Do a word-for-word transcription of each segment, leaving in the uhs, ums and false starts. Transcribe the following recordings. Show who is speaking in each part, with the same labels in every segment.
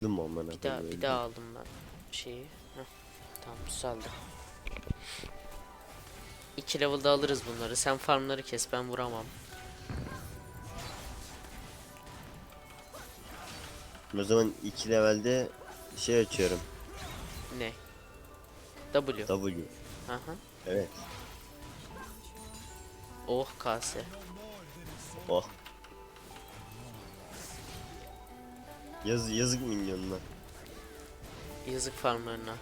Speaker 1: Dım amına
Speaker 2: Bir daha
Speaker 1: koyayım
Speaker 2: bir
Speaker 1: öldüm.
Speaker 2: daha aldım ben şeyi. Heh, tamam düzeldi. iki level'da alırız bunları. Sen farmları kes, ben vuramam.
Speaker 1: O zaman iki levelde şey açıyorum.
Speaker 2: Ne? W.
Speaker 1: W.
Speaker 2: Aha.
Speaker 1: Evet.
Speaker 2: Oh kase.
Speaker 1: Oh. Yaz, yazık minyonuna.
Speaker 2: Yazık farmlarına.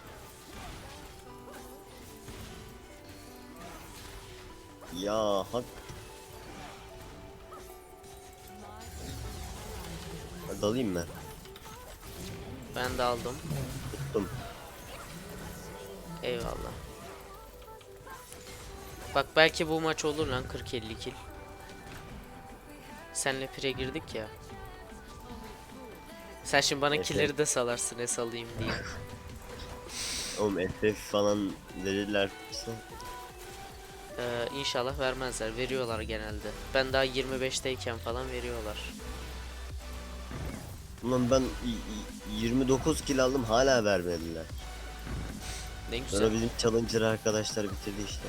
Speaker 1: Ya hak. Hadi alayım ben.
Speaker 2: Ben de aldım.
Speaker 1: Tuttum.
Speaker 2: Eyvallah. Bak belki bu maç olur lan, kırk elli kill. Senle pire girdik ya. Sen şimdi bana
Speaker 1: Evet,
Speaker 2: killleri de salarsın, es alayım diye.
Speaker 1: Oğlum F F falan verirler.
Speaker 2: Ee, inşallah vermezler. Veriyorlar genelde. Ben daha yirmi beşteyken falan veriyorlar.
Speaker 1: Ulan ben y- y- yirmi dokuz kill aldım hala vermediler.
Speaker 2: Ne güzel.
Speaker 1: Sonra bizim challenger arkadaşlar bitirdi işte.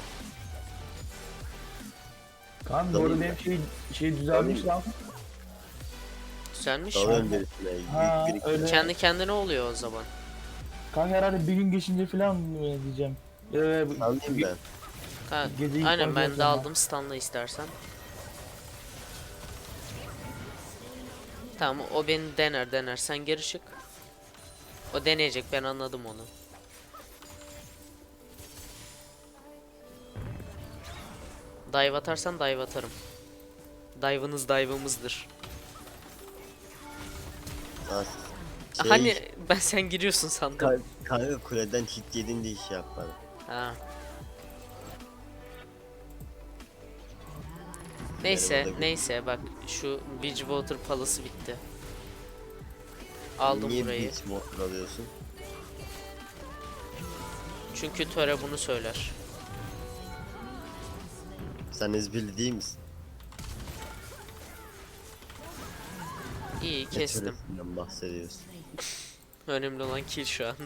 Speaker 3: Kanka bu
Speaker 1: Dalayım
Speaker 3: arada
Speaker 1: ben.
Speaker 3: benim şey, şey düzelmiş lan.
Speaker 2: Güzelmiş mi?
Speaker 1: Dalıyorum birisine.
Speaker 3: Ha,
Speaker 1: Büyük bir
Speaker 3: öyle.
Speaker 2: Kendi kendine oluyor o zaman.
Speaker 3: Kanka herhalde bir gün geçince falan mı diyeceğim. Ee, bu-
Speaker 1: alayım
Speaker 3: ge-
Speaker 1: ben.
Speaker 2: Ha,
Speaker 3: Gece ilk
Speaker 2: aynen
Speaker 3: başta
Speaker 2: ben de
Speaker 3: yapıyorum
Speaker 2: aldım, stunla istersen. Tamam, o beni dener dener, sen geri çık. O deneyecek, ben anladım onu. Dive atarsan dive atarım. Dive'ınız dive'ımızdır.
Speaker 1: Ha, şey,
Speaker 2: Hani ben sen giriyorsun sandım.
Speaker 1: ka- kanka kuleden hit yedin diye şey yapmadım.
Speaker 2: Ha. Neyse
Speaker 1: Merhaba da-
Speaker 2: neyse bak, şu Bridgewater Palace'ı bitti. Aldım
Speaker 1: Niye
Speaker 2: burayı.
Speaker 1: beach motor alıyorsun?
Speaker 2: Çünkü Töre bunu söyler.
Speaker 1: Sen ezberli değil misin?
Speaker 2: İyi
Speaker 1: Ne
Speaker 2: kestim.
Speaker 1: töresinden bahsediyorsun?
Speaker 2: Önemli olan kill şu an.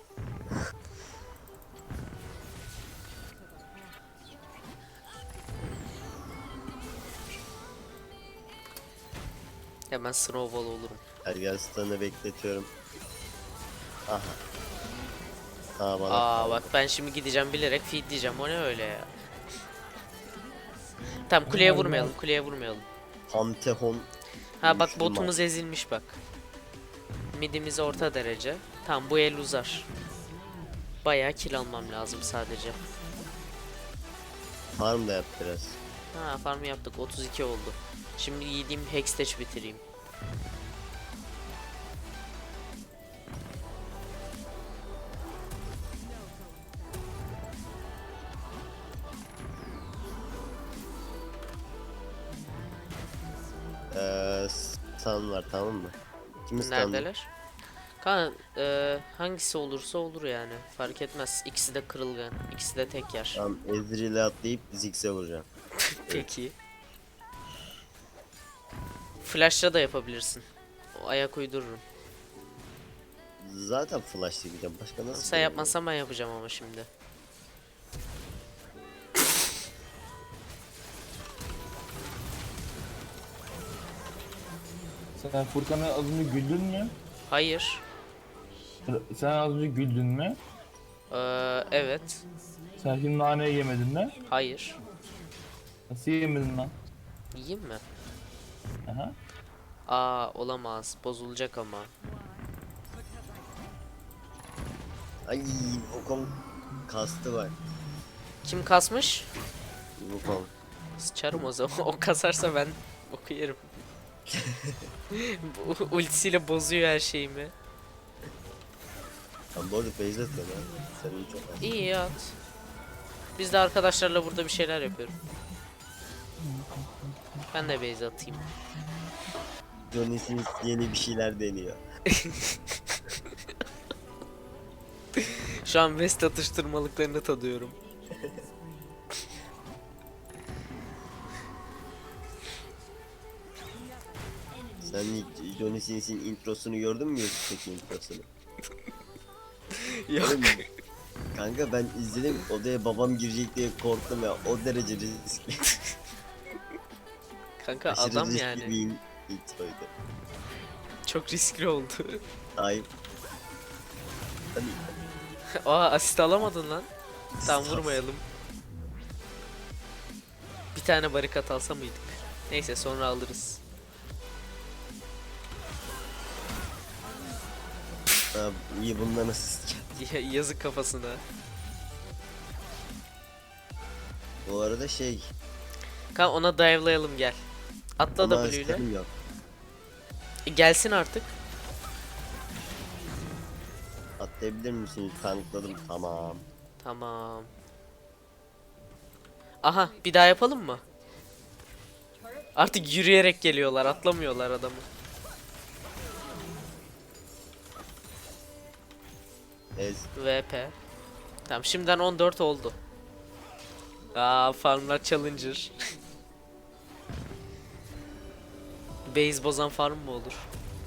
Speaker 2: Hemen snowball olurum.
Speaker 1: Ergenstan'ı bekletiyorum. Aha. Aa bana
Speaker 2: Aa
Speaker 1: kaldı.
Speaker 2: bak, ben şimdi gideceğim bilerek feed diyeceğim. O ne öyle ya? Tamam, kuleye vurmayalım, kuleye vurmayalım.
Speaker 1: Pantehon
Speaker 2: Ha bak,
Speaker 1: Müslüman.
Speaker 2: botumuz ezilmiş bak. Midimiz orta derece. Tamam, bu el uzar. Bayağı kill almam lazım sadece.
Speaker 1: Farm da yap biraz.
Speaker 2: Ha, farm yaptık, otuz iki oldu. Şimdi yediğim hextech bitireyim.
Speaker 1: Ee, stun var tamam mı? Kimi stun'lı?
Speaker 2: Neredeler? Kanka e, hangisi olursa olur yani. Fark etmez. İkisi de kırılgan. İkisi de tek yer.
Speaker 1: Tamam Ezreal'e atlayıp Ziggs'e vuracağım.
Speaker 2: Peki. Flash'la da yapabilirsin. O ayak uydururum.
Speaker 1: Zaten flash'la gideceğim. Başka nasıl?
Speaker 2: Sen yapmazsan ben yapacağım ama şimdi.
Speaker 3: Sen Furkan'a az önce güldün mü?
Speaker 2: Hayır.
Speaker 3: Sen az önce güldün mü?
Speaker 2: Ee, evet.
Speaker 3: Sen şimdi nane yemedin mi?
Speaker 2: Hayır.
Speaker 3: Nasıl yemedin lan?
Speaker 2: Yiyeyim mi?
Speaker 3: Aha.
Speaker 2: Aa, olamaz. Bozulacak ama.
Speaker 1: Ay Wukong kastı var.
Speaker 2: Kim kasmış?
Speaker 1: Wukong.
Speaker 2: Sıçarım o zaman. O kasarsa ben boku yerim. Bu ultisiyle bozuyor her şeyimi.
Speaker 1: Ben bu arada base atıyorum ya. Senin çok az.
Speaker 2: İyi ya, at. Biz de arkadaşlarla burada bir şeyler yapıyorum. Ben de base atayım.
Speaker 1: Johnny Sins yeni bir şeyler deniyor.
Speaker 2: Şu an West atıştırmalıklarını tadıyorum.
Speaker 1: Sen hiç Johnny Sins'in introsunu gördün mü YouTube'daki introsunu?
Speaker 2: Yok.
Speaker 1: Oğlum, kanka ben izledim, odaya babam girecek diye korktum ya, o derece riskli.
Speaker 2: Kanka
Speaker 1: Aşırı
Speaker 2: adam
Speaker 1: riskli
Speaker 2: yani.
Speaker 1: bir in- introydu.
Speaker 2: Çok riskli oldu.
Speaker 1: Ayıp. Hani
Speaker 2: Aa asist alamadın lan. Tam vurmayalım. Bir tane barikat alsa mıydık? Neyse sonra alırız.
Speaker 1: ha, iyi, bundan asist.
Speaker 2: Ya- Yazık kafasına.
Speaker 1: Bu arada şey,
Speaker 2: Kanka ona dive'layalım gel. Atla
Speaker 1: ama
Speaker 2: W ile.
Speaker 1: asistim yok.
Speaker 2: E, gelsin artık.
Speaker 1: Atlayabilir misin? Tankladım, tamam.
Speaker 2: Tamam. Aha bir daha yapalım mı? Artık yürüyerek geliyorlar, atlamıyorlar adamı.
Speaker 1: Ez.
Speaker 2: V P. Tamam şimdiden on dört oldu. Aa farmlar challenger. Base bozan farm mı olur?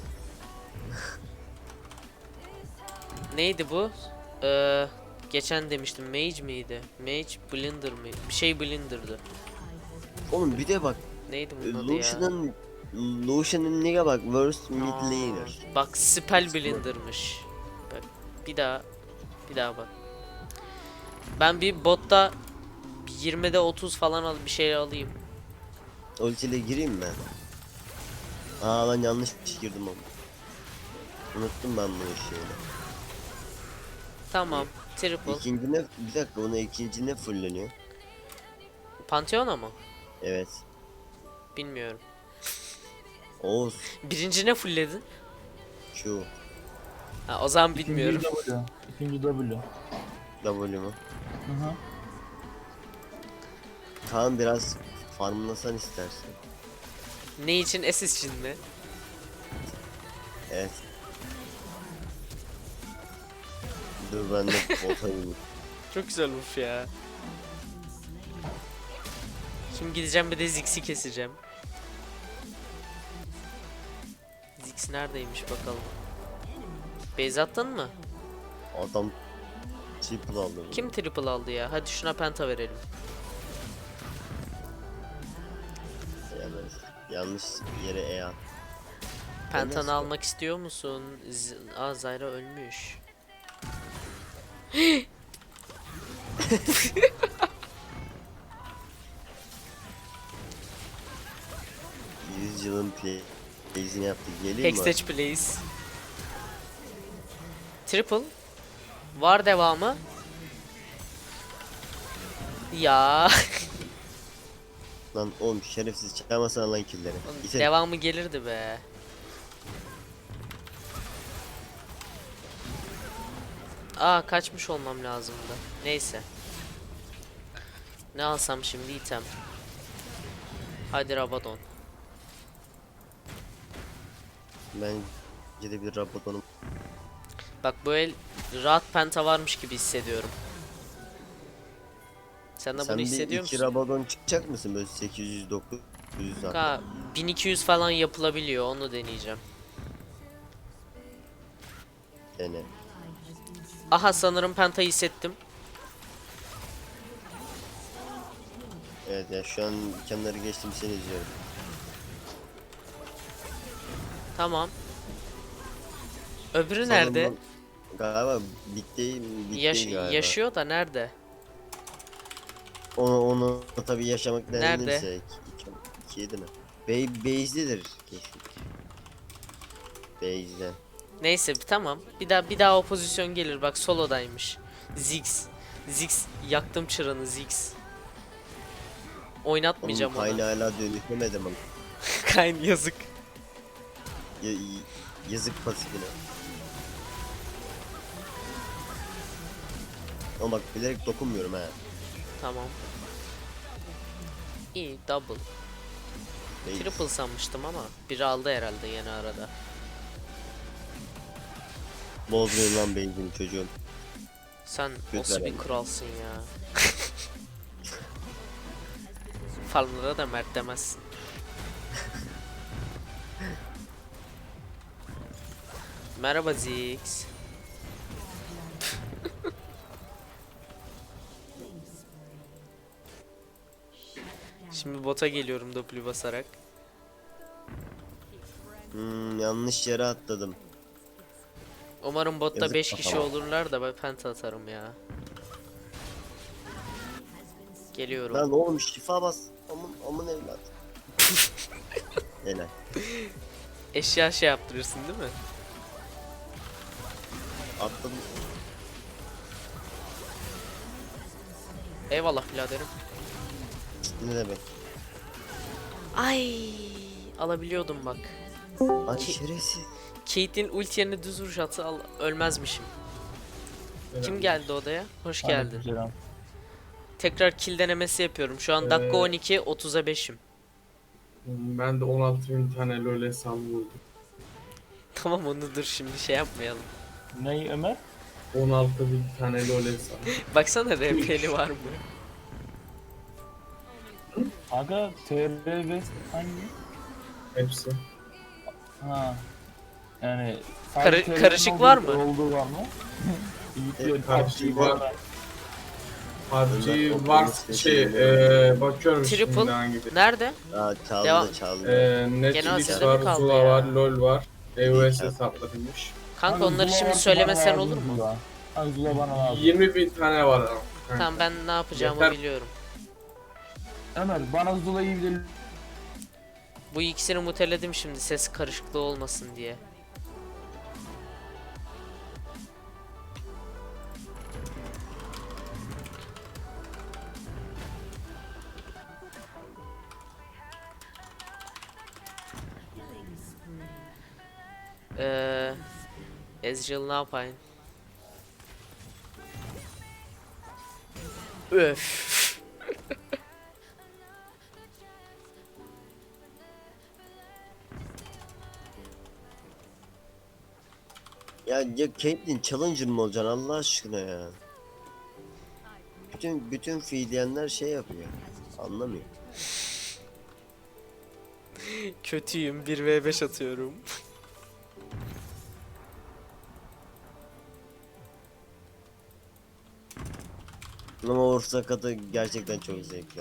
Speaker 2: Neydi bu? Ee, geçen demiştim mage miydi? Mage blinder mi? Bir şey blinder'dı.
Speaker 1: Oğlum bir de bak,
Speaker 2: Neydi bunun adı ya?
Speaker 1: Lucian'ın Lucian'ın nigga bak, worst mid
Speaker 2: Aa,
Speaker 1: laner.
Speaker 2: bak spell blinder'mış. Bak bir daha bir daha bak. Ben bir botta yirmide otuz falan al bir şey alayım.
Speaker 1: Ultiyle gireyim mi? Aa lan, yanlış girdim ama. Unuttum ben bunu şeyini.
Speaker 2: Tamam. Triple.
Speaker 1: İkinci ne? Bir dakika, bunu ikinci ne fulleniyor?
Speaker 2: Pantheon'a mı?
Speaker 1: Evet.
Speaker 2: Bilmiyorum.
Speaker 1: Oğuz.
Speaker 2: Birinci ne fullledin?
Speaker 1: Q.
Speaker 2: Ha, o zaman
Speaker 3: İkinci
Speaker 2: bilmiyorum.
Speaker 3: W. İkinci W.
Speaker 1: W mu?
Speaker 3: Hı hı.
Speaker 1: Kaan biraz farmlasan istersen.
Speaker 2: Ne için? Assist için mi?
Speaker 1: Evet. Dur ben de bota ineyim.
Speaker 2: Çok güzel buff ya. Şimdi gideceğim bir de Ziggs'i keseceğim. Ziggs neredeymiş bakalım. Base attın mı?
Speaker 1: Adam triple aldı. bunu.
Speaker 2: Kim triple aldı ya? Hadi şuna penta verelim.
Speaker 1: Evet. Yanlış yere E at.
Speaker 2: Pentanı
Speaker 1: Nasıl?
Speaker 2: almak istiyor musun? Z Aa Zyra ölmüş.
Speaker 1: yüz yılın plays'ini yaptık. Geleyim mi?
Speaker 2: Hextech please. Triple. Var devamı. Ya.
Speaker 1: Lan oğlum, şerefsiz çalmasana lan killleri. İte.
Speaker 2: Devamı gelirdi be. Aa kaçmış olmam lazımdı. Neyse. Ne alsam şimdi item. Hadi Rabadon.
Speaker 1: Bence de bir Rabadon'um.
Speaker 2: Bak bu el rahat penta varmış gibi hissediyorum. Sen de
Speaker 1: Sen
Speaker 2: bunu
Speaker 1: bir
Speaker 2: hissediyor
Speaker 1: iki
Speaker 2: musun?
Speaker 1: Rabadon çıkacak mısın böyle sekiz yüz dokuz yüz hatta?
Speaker 2: Ka bin iki yüz falan yapılabiliyor, onu deneyeceğim.
Speaker 1: Dene.
Speaker 2: Aha sanırım penta hissettim.
Speaker 1: Evet ya, şu an kenarı geçtim, seni izliyorum.
Speaker 2: Tamam. Öbürü
Speaker 1: Sanırım
Speaker 2: nerede?
Speaker 1: lan- Galiba bitti, bitti
Speaker 2: Yaş
Speaker 1: galiba.
Speaker 2: yaşıyor da nerede?
Speaker 1: Onu, onu tabii yaşamak
Speaker 2: Nerede?
Speaker 1: denenirse iki, iki yedi mi? Bey, Base'dedir kesin. Base'de.
Speaker 2: Neyse tamam. Bir daha bir daha o pozisyon gelir. Bak solodaymış. Ziggs. Ziggs yaktım çıranı Ziggs. Oynatmayacağım
Speaker 1: Onun kaynağı
Speaker 2: onu.
Speaker 1: hala dönüşemedim ama.
Speaker 2: Kayn yazık.
Speaker 1: Ya, y- yazık pasifine. Ama bak, bilerek dokunmuyorum ha.
Speaker 2: Tamam. İyi double.
Speaker 1: Base.
Speaker 2: Triple sanmıştım ama biri aldı herhalde yeni arada.
Speaker 1: Bozmayın lan base'ini çocuğum.
Speaker 2: Sen
Speaker 1: Göt
Speaker 2: nasıl bir
Speaker 1: verelim.
Speaker 2: kralsın ya. Farmlara da mert demezsin. Merhaba Ziggs. Şimdi bota geliyorum W basarak.
Speaker 1: Hmm, yanlış yere atladım.
Speaker 2: Umarım botta
Speaker 1: Yazık
Speaker 2: beş kişi
Speaker 1: kafama.
Speaker 2: olurlar da ben penta atarım ya. Geliyorum.
Speaker 1: Lan oğlum şifa bas. Amın amın evlat. Helal.
Speaker 2: Eşya şey yaptırırsın değil mi?
Speaker 1: Atladım.
Speaker 2: Eyvallah biraderim.
Speaker 1: Ne demek?
Speaker 2: Ay, alabiliyordum bak.
Speaker 1: Ay
Speaker 2: Ki-
Speaker 1: şerefsiz.
Speaker 2: Kate'in ulti yerine düz vuruş atı al ölmezmişim. Kim geldi odaya? Hoş geldin.
Speaker 3: Aleykümselam.
Speaker 2: Tekrar kill denemesi yapıyorum. Şu an
Speaker 4: Ee,
Speaker 2: dakika on iki, otuza beşim.
Speaker 4: Ben de on altı bin tane LoL hesabı buldum.
Speaker 2: Tamam onu dur şimdi şey yapmayalım.
Speaker 3: Ney Ömer?
Speaker 4: on altı bin tane LoL hesabı.
Speaker 2: Baksana R P'li var mı?
Speaker 3: Aga T R West hangi?
Speaker 4: Hepsi.
Speaker 3: Ha. Yani
Speaker 2: Karı-
Speaker 3: sadece T R'nin
Speaker 2: karışık
Speaker 3: olduğu-
Speaker 2: var mı?
Speaker 3: Olduğu var mı?
Speaker 1: Evet,
Speaker 4: karışık var. P U B G
Speaker 1: Ömer,
Speaker 4: var
Speaker 1: o
Speaker 4: şey
Speaker 1: konuşma
Speaker 4: eee bakıyorum
Speaker 2: Triple.
Speaker 4: şimdi hangi bir.
Speaker 2: Nerede?
Speaker 1: Aa çaldı
Speaker 2: Devam.
Speaker 1: çaldı.
Speaker 4: Eee
Speaker 2: Genel
Speaker 4: Netflix
Speaker 2: sezde mi
Speaker 4: var,
Speaker 2: kaldı
Speaker 4: Zula
Speaker 2: ya?
Speaker 4: var, LoL var. E O S
Speaker 1: İyi,
Speaker 4: hesaplarıymış.
Speaker 2: Kanka
Speaker 3: Abi
Speaker 2: onları
Speaker 3: Zula
Speaker 2: şimdi
Speaker 3: varsa
Speaker 2: söylemesen
Speaker 3: bana
Speaker 2: olur
Speaker 3: lazım
Speaker 2: mu?
Speaker 3: Zula. Abi Zula bana lazım.
Speaker 4: yirmi bin tane var ama. kanka.
Speaker 2: Tamam ben ne yapacağımı
Speaker 4: Yeter.
Speaker 2: biliyorum.
Speaker 3: Ömer bana Zula'yı bir de
Speaker 2: Bu ikisini muteledim şimdi ses karışıklığı olmasın diye. Eee Ezreal ne yapayım? Öf.
Speaker 1: Ya ya Caitlyn Challenger mı olacaksın Allah aşkına ya? Bütün bütün fiilyenler şey yapıyor. Anlamıyor.
Speaker 2: Kötüyüm bir ve beş atıyorum.
Speaker 1: Ama Orta Katı gerçekten çok zevkli.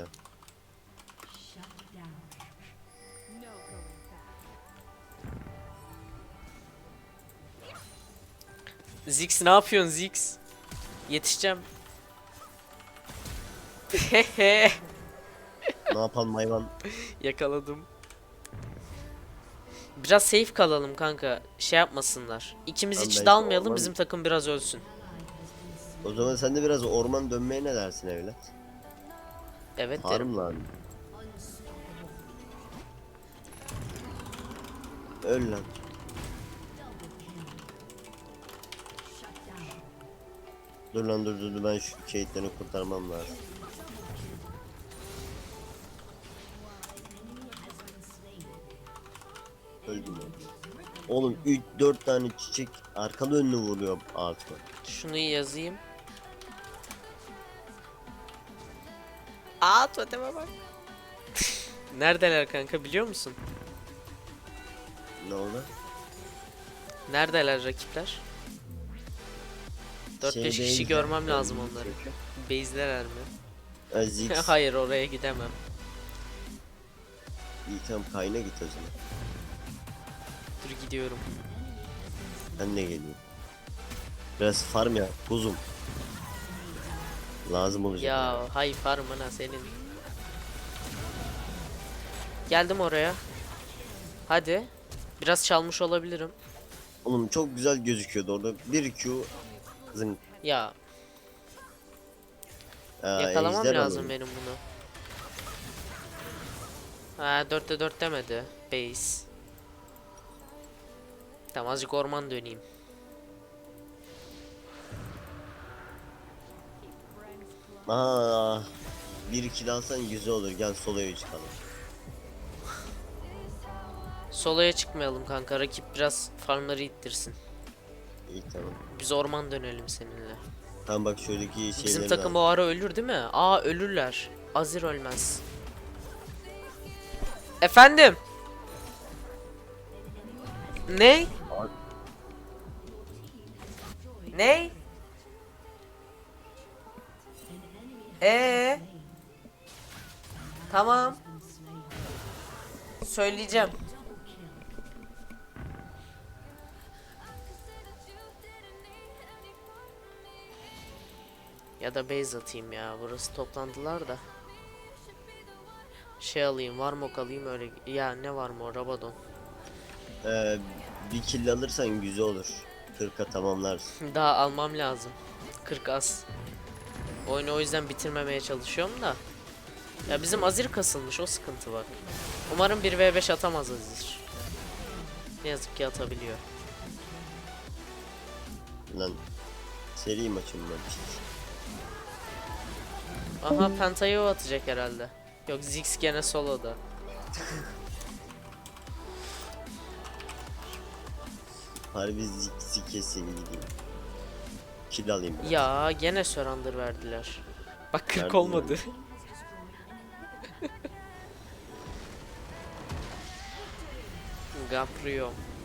Speaker 2: Ziggs ne yapıyorsun Ziggs? Yetişeceğim. Hehe.
Speaker 1: Ne yapalım hayvan?
Speaker 2: Yakaladım. Biraz safe kalalım kanka. Şey yapmasınlar. İkimiz
Speaker 1: Tamam,
Speaker 2: hiç
Speaker 1: belki
Speaker 2: dalmayalım
Speaker 1: orman-
Speaker 2: bizim takım biraz ölsün.
Speaker 1: O zaman sen de biraz orman dönmeye ne dersin evlat?
Speaker 2: Evet derim.
Speaker 1: Harım lan. Öl lan. Dur lan dur dur dur, ben şu Caitlyn'i kurtarmam lazım. Öldüm ya. Oğlum üç dört tane çiçek arkalı önlü vuruyor artık.
Speaker 2: Şunu yazayım. Aa toteme bak. Neredeler kanka biliyor musun?
Speaker 1: Ne oldu?
Speaker 2: Neredeler rakipler? dört beş
Speaker 1: Şeyde
Speaker 2: kişi
Speaker 1: en-
Speaker 2: görmem lazım onları. Base'lerer mi?
Speaker 1: Aziz.
Speaker 2: Hayır oraya gidemem.
Speaker 1: İyi tamam kayna git o zaman.
Speaker 2: Dur gidiyorum.
Speaker 1: Ben de geliyorum. Biraz farm ya kuzum. Lazım olacak.
Speaker 2: Ya hay farmına senin. Geldim oraya. Hadi. Biraz çalmış olabilirim.
Speaker 1: Oğlum çok güzel gözüküyordu orada. Bir Q zın.
Speaker 2: Ya
Speaker 1: Aa,
Speaker 2: yakalamam
Speaker 1: ejder
Speaker 2: lazım
Speaker 1: alın.
Speaker 2: benim bunu. Ha dörtte dört demedi. Base. Tamam azıcık orman döneyim.
Speaker 1: Aa, bir iki alsan güzel olur. Gel soloya çıkalım.
Speaker 2: Solo'ya çıkmayalım kanka. Rakip biraz farmları ittirsin.
Speaker 1: İyi tamam.
Speaker 2: Biz orman dönelim seninle.
Speaker 1: Tamam bak şuradaki şeyleri
Speaker 2: Bizim takım o ara ölür değil mi? Aa ölürler. Azir ölmez. Efendim? Ne? Ney? Ee? Tamam. Söyleyeceğim. Ya da base atayım ya. Burası toplandılar da. Şey alayım, Varmok alayım öyle. Ya ne var mı o Rabadon.
Speaker 1: Ee, bir kill alırsan güzel olur. kırka tamamlarsın.
Speaker 2: Daha almam lazım. kırk az. Oyunu o yüzden bitirmemeye çalışıyorum da. Ya bizim Azir kasılmış, o sıkıntı var. Umarım bir ve beş atamaz Azir. Ne yazık ki atabiliyor.
Speaker 1: Lan seri maçım var işte.
Speaker 2: Aha Penta'yı o atacak herhalde. Yok Ziggs gene soloda.
Speaker 1: Harbi ziksi kesin gideyim. Kill alayım biraz.
Speaker 2: Ya gene Surrender verdiler. Bak kırk
Speaker 1: Verdiler.
Speaker 2: olmadı. Gapriyo.